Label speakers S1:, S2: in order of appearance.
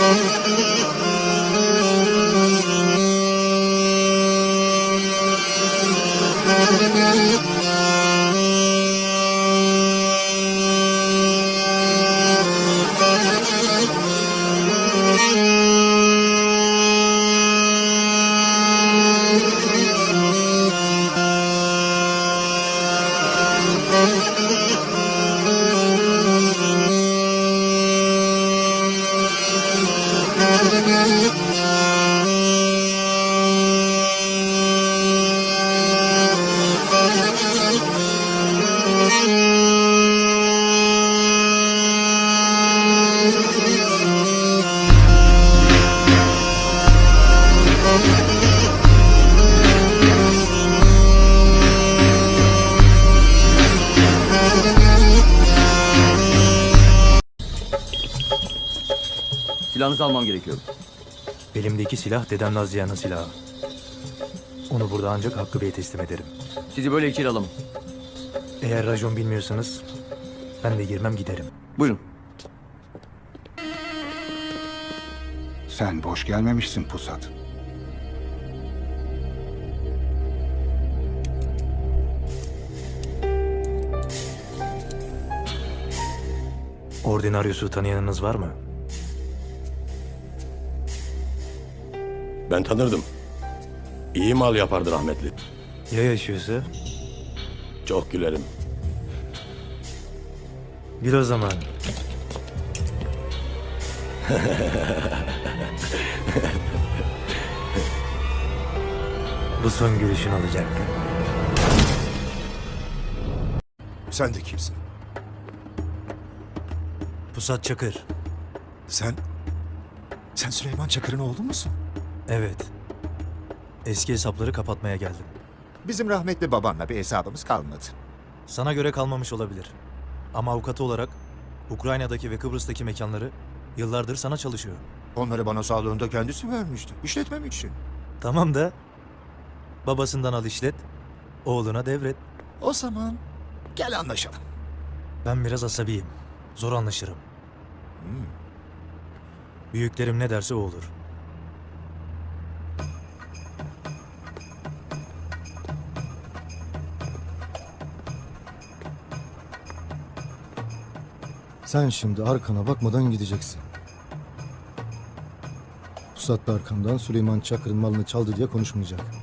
S1: Silahınızı almam gerekiyor.
S2: Elimdeki silah dedem Nazlıyan'ın silahı. Onu burada ancak Hakkı Bey'e teslim ederim.
S1: Sizi böyle içeri alamam.
S2: Eğer racon bilmiyorsanız ben de girmem giderim.
S1: Buyurun.
S3: Sen boş gelmemişsin Pusat.
S2: Ordinaryos'u tanıyanınız var mı?
S4: Ben tanırdım. İyi mal yapardı rahmetli.
S2: Ya yaşıyorsa?
S4: Çok gülerim.
S2: Bir o zaman. Bu son gülüşün olacak.
S5: Sen de kimsin?
S2: Pusat Çakır.
S5: Sen Süleyman Çakır'ın oğlu musun?
S2: Evet. Eski hesapları kapatmaya geldim.
S5: Bizim rahmetli babanla bir hesabımız kalmadı.
S2: Sana göre kalmamış olabilir. Ama avukatı olarak Ukrayna'daki ve Kıbrıs'taki mekanları yıllardır sana çalışıyor.
S5: Onları bana sağlığında kendisi vermişti. İşletmem için.
S2: Tamam da babasından al işlet, oğluna devret.
S5: O zaman gel anlaşalım.
S2: Ben biraz asabiyim. Zor anlaşırım. Büyüklerim ne derse o olur.
S6: Sen şimdi arkana bakmadan gideceksin. Pusat da arkamdan Süleyman Çakır'ın malını çaldı diye konuşmayacak.